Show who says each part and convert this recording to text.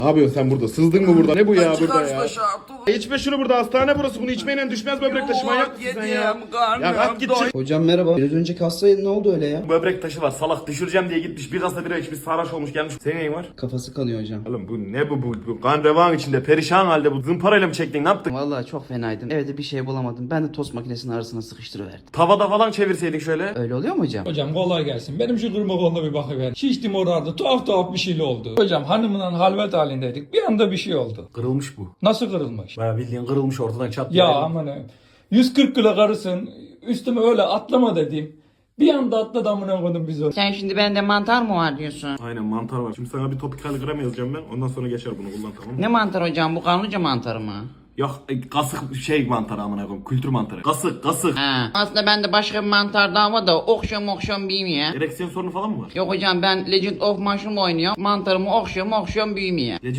Speaker 1: Ne yapıyorsun sen burada? Sızdın mı burada? Ne bu ya
Speaker 2: Açık
Speaker 1: burada ya?
Speaker 2: açta
Speaker 1: İçme şunu burada, hastane burası. Bunu içmeyle düşmez böbrek taşı, manyak mısın sen ya? Ya kalk git çık.
Speaker 3: Hocam merhaba. Biraz önceki hastaya ne oldu öyle ya?
Speaker 1: Böbrek taşı var, salak düşüreceğim diye gitmiş. Bir kasa bira içmiş, sarhoş olmuş gelmiş. Senin neyin var?
Speaker 3: Kafası kanıyor hocam.
Speaker 1: Oğlum bu ne bu kan revan içinde perişan halde, bu zımparayla mı çektin, ne yaptın?
Speaker 3: Vallahi çok fenaydım. Evde bir şey bulamadım. Ben de tost makinesinin arasına sıkıştırıverdim.
Speaker 1: Tavada falan çevirseydin şöyle.
Speaker 3: Öyle oluyor mu hocam?
Speaker 4: Hocam kolay gelsin. Benim şu kırma koluna bir bakıver. Şiştim orada. Tuhaf bir şeyle oldu. Hocam hanımla halvet halindeydik. Bir anda bir şey oldu.
Speaker 1: Kırılmış bu.
Speaker 4: Nasıl kırılmış?
Speaker 1: Baya bildiğin kırılmış, ortadan çat.
Speaker 4: Ya aman ha. 140 kilo karısın. Üstüme öyle atlama dedim. Bir anda atladı amına koydum biz onu.
Speaker 5: Sen şimdi bende mantar mı var diyorsun?
Speaker 1: Aynen, mantar var. Şimdi sana bir topikal gram yazacağım ben. Ondan sonra geçer, bunu kullan, tamam mı?
Speaker 5: Ne mantar hocam, bu kanlıca mantarı mı?
Speaker 1: Yok kasık şey mantarı amına koyayım. Kültür mantarı. Kasık.
Speaker 5: Ha. Aslında bende başka bir mantar daha var da okşuyorum büyümüyor.
Speaker 1: Ereksiyon sorunu falan mı var?
Speaker 5: Yok hocam, ben Legend of Mushroom oynuyorum. Mantarımı okşuyorum büyümüyor.
Speaker 1: Legend